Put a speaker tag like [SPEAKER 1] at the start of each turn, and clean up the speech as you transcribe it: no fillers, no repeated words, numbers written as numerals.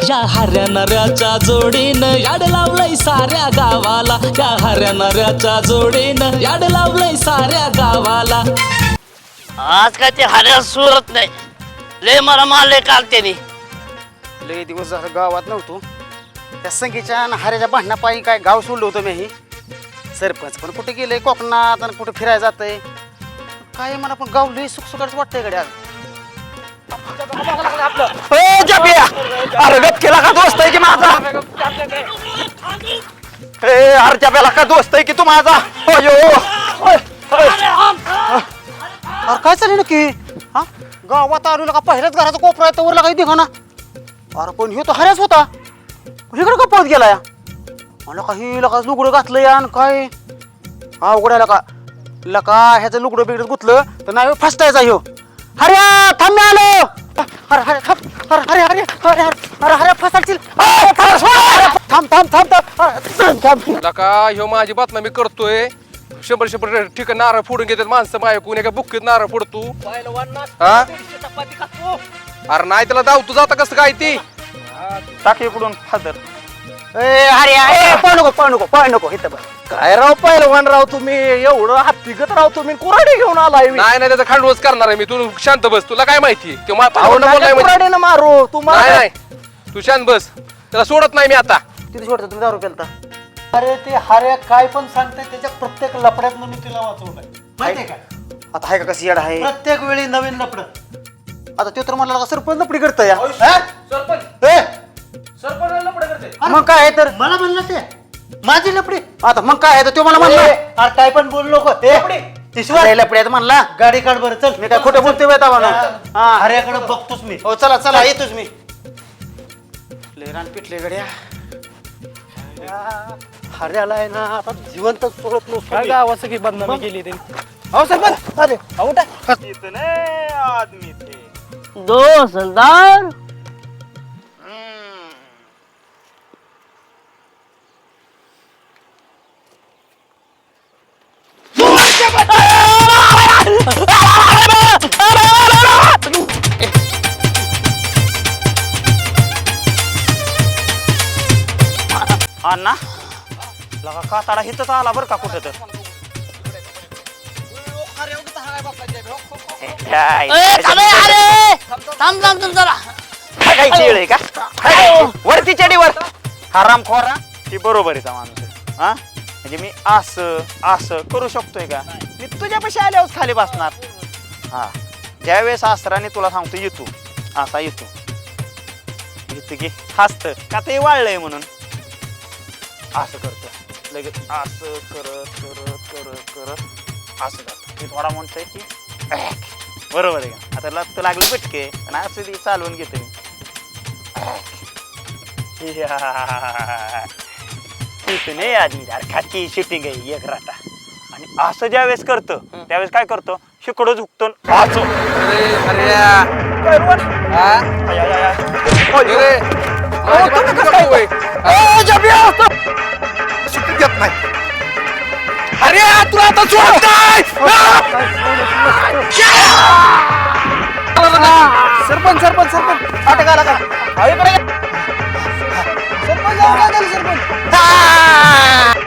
[SPEAKER 1] या हऱ्या नऱ्याच्या जोडीनं याड लावलंय साऱ्या गावाला, या हऱ्या नऱ्याच्या जोडीनं याड लावलंय साऱ्या गावाला.
[SPEAKER 2] आज काय ते हऱ्या सुरत नाही, लय मला मारले काल त्यांनी.
[SPEAKER 3] लय दिवस झालं गावात नव्हतो. त्या संगीच्या आणि हऱ्याच्या भांडणापायी काय गाव सोडलं होतं मी. सरपंच पण कुठे गेले कोकणात आणि कुठे फिरायला जातंय काय मला. पण गाव लय सुखसुखाच वाटतंय गड्या.
[SPEAKER 4] अरे गप केला का दोस्त आहे की माझा? अरे जब्याला का दोस्त आहे की तू माझा?
[SPEAKER 3] अरे काय चालेल नक्की? हा गावात आलो का पहिल्याच घराचा कोपरा आहे तर काही दिघा ना. अरे पण ह्यो तो हऱ्याच होता. इकडे का पळत गेला या? मला काही लका लुगडं घातलं या आणि काय हा उघडायला का लका ह्याचं लुगडं बिगडत गुतलं तर नाही फसतायचा ह्यो. हऱ्या थांब मी आलो. अरे अरे थांब. अरे अरे अरे अरे अरे अरे फसायची. थांब थांब थांब थांब.
[SPEAKER 5] लका ह्यो माझी बातमी मी करतोय. 100 ठिकाण नारळ फोडून घेतात माणसं माझ्या कोणी का बुक्कीत नारळ फोडतो. हा अरे नाही त्याला दाव तू जाता कसं काय ती
[SPEAKER 4] टाक इकडून फादर.
[SPEAKER 3] अरे अरे पळ नको इथं बस.
[SPEAKER 4] काय राव पहिलवान राव तुम्ही एवढं हत्तीगत राव तुम्ही कुऱ्हाडी घेऊन आलाय.
[SPEAKER 5] नाही नाही त्याचा खांडवच करणार आहे मी. तू शांत बस, तुला काय माहिती ते
[SPEAKER 4] कुऱ्हाडीनं मारू तुम्हाला.
[SPEAKER 5] नाही तू शांत बस, त्याला सोडत नाही मी आता.
[SPEAKER 3] तिथे सोडतो तुम्ही दारू प्यालता.
[SPEAKER 6] अरे ते हऱ्या काय पण सांगते त्याच्या प्रत्येक लपड्यातनं मी तिला वाचवलंय माहितीये का.
[SPEAKER 3] आता आहे का कशी येड आहे?
[SPEAKER 6] प्रत्येक वेळी नवीन लपड.
[SPEAKER 3] आता ते तर मला सरपंच लपडी करतं या. मग काय आहे तर
[SPEAKER 6] मला म्हणलं ते माझी लपडी.
[SPEAKER 3] आता मग काय आहे तर तो मला म्हणला
[SPEAKER 6] अरे काय पण बोलू नको.
[SPEAKER 3] लपड्यात म्हणला.
[SPEAKER 6] गाडी काढ बरं चल.
[SPEAKER 3] मी काय खोटं बोलतोय म्हणा.
[SPEAKER 6] हऱ्याकडे बघतोच मी.
[SPEAKER 3] हो चला चला येतोच मी. लेरान पिटले गड्या.
[SPEAKER 6] हऱ्याला आहे ना आता जिवंत सोडत नसतो.
[SPEAKER 4] काय गावाचं की बदनामी केली त्यांनी.
[SPEAKER 6] अहो सरपंच अरे
[SPEAKER 4] आदमी थे.
[SPEAKER 2] दो सरदार
[SPEAKER 4] अण्णा लगा काताडा हिथंच आला बरं का कुठं तर.
[SPEAKER 2] थांब थांब तुमचा
[SPEAKER 4] वरती चढीवर हराम खोरा ती बरोबर आहे माणूस. हा म्हणजे मी असं असं करू शकतोय का? मी तुझ्यापाशी आल्यावर खाली बसणार. हा ज्यावेळेस आसराने तुला सांगतो येतो असा येतो की हसत का ते वाळलंय म्हणून असं करतो लगेच असं करत करत करत करत असं करतो. मी थोडा म्हणतोय की बरोबर आहे का? आता लत लागली पिटके आणि असं ती चालवून घेतो मी. तिथून आधी खाती शूटिंग आहे एक राटा. आणि असं ज्यावेळेस करतो त्यावेळेस काय करतो शिकडं झुकतो असं.
[SPEAKER 5] अरे तुला आता सोडत नाही.
[SPEAKER 3] सरपंच सरपंच सरपंच अटक आला का? सरपंच सरपंच